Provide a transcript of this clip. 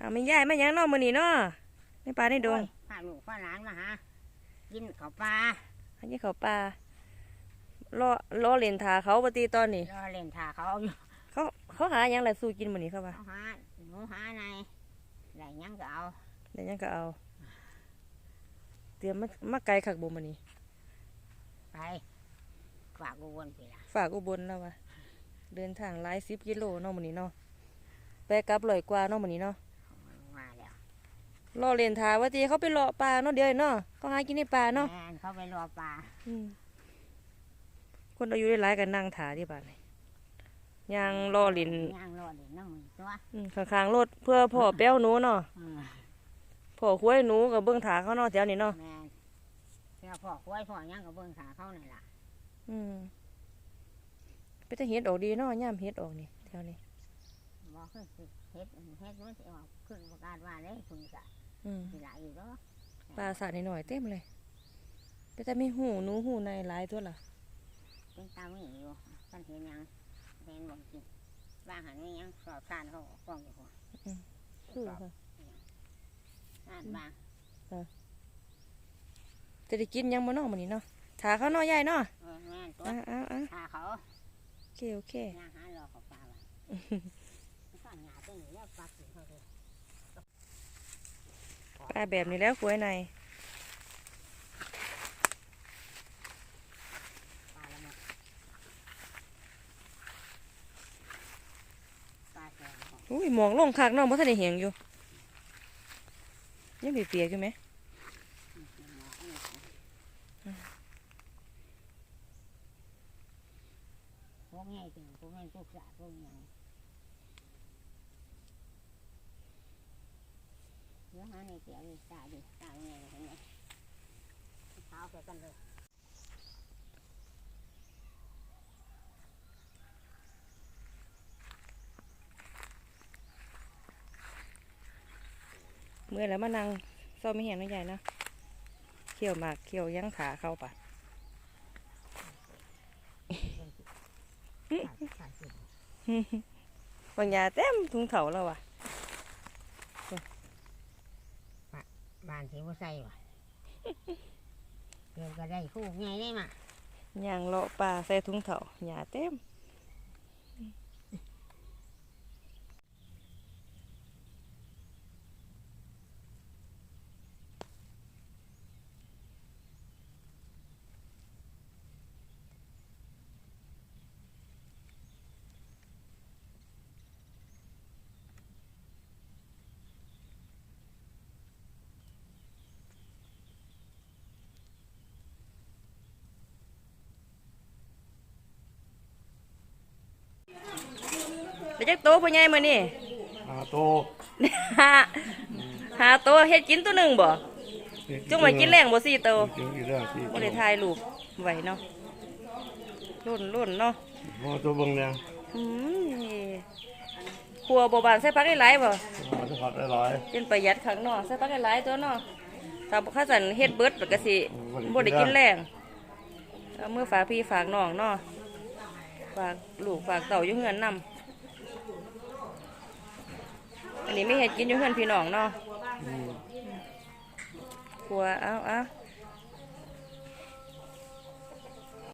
ไม่ย่ายไม่ยังนอกมือนี่เนาะในป่าในดงพาลูกพาหลานมาหากินข้าวปลาอันนี้เขาป่ารอเล่นทาเขาปฏิตอนนี้รอเล่นท่าเขาอยู่เขาหายังไรสู้กินมือนี่เขาว่าเขาหาหนูหาในได้ยังก็เอาเดี๋ยวยังก็เอาเตรียมมาไกลขักบ่มือนี่ไปฝากอุบลไปละฝากอุบลแล้ววะเดินทางหลาย10 กิโลเนาะมือนี่เนาะไปกลับ100 กว่าเนาะมือนี่เนาะมาแล้วรอเล่นทาว่าตีเขาไปเลาะป่าเนาะเดี๋ยวเนาะเขาหากินในป่าเนาะเขาไปรอปลาคนอายุหลายกันนั่งถาที่บ้านเลยยางรอลินย่างรอลินน้ำมือตัวข้างๆรถเพื่อพ่อแป้วหนูเนาะพ่อคุ้ยหนูกับเบื้องถาเขาเนาะแถวนี้เนาะเพื่อพ่อคุ้ยพ่อย่างกับเบื้องขาเขานี่แหละไปจะเฮ็ดออกดีเนาะย่ามเฮ็ดออกนี่แถวนี้บอกคือเฮ็ดมันจะออกขึ้นประกาศว่าได้คุณกะมีหลายอยู่แล้วปลาสาดหน่อยเต็มเลยไปจะมีหูหนูหูในหลายตัวล่ะเป็นตาไม่อยู่กันเห็นยังเห็นบ่กินบ้างหันไม่ยังสอบทานเขากล้องอยู่หัวคือค่ะอ่านบ้างจะได้กินยังบ่เนาะมื้อนี้เนาะถาเขาเนาะใหญ่เนาะแม่ตัวถาเขาโอเคย่างหารอเขาปลาไว้ข้างหน้าตัวนี้แล้วปลาถึงเขาเลยปลาแบบนี้แล้วกล้วยในอุ้ยมองลงคักน้องเพราะท่านได้เห็นอยู่ยังเปียกอยู่ไหมพวกง่ายจริงพวกง่ายพวกสาพวกยังเยอะฮะในเสียดีตาดีตาง่ายเห็นไหมเท้าแกกันเลยเมื่อแล้วมานั่งเศร้าไม่เห็นไม่ใหญ่นะเขี่ยวหมากเขี่ยวยั้งขาเข้าปะบางยาเต็มถุงเถาแล้ววะบ้านที่ว่าใส่วะเดี๋ยวก็ได้คู่ไงได้มาย่างเลาะปลาใส่ถุงเถาหยาเต็มเดี๋ยวจะโตพ่อใหญ่มานี่โตหาโตเฮ็ดกินตัวหนึ่งบ่จุ่มไว้กินแรงบ่4 โตบ่ได้ถ่ายรูปไว้เนาะรุ่นเนาะตัวเบิ่งเนี่ยครัวบ่บานใส่ผักหลายๆบ่ใส่ผักหลายเป็นประหยัดข้างนอกใส่ผักหลายๆตัวเนาะถ้าบ่คันเฮ็ดเบิดก็สิบ่ได้กินแรงเอามือฝากพี่ฝากน้องเนาะฝากลูกฝากเต่าอยู่เฮือนนำอันนี้ไม่เห็ดกินอยู่เฮือนพี่น้องเนาะครัวเอา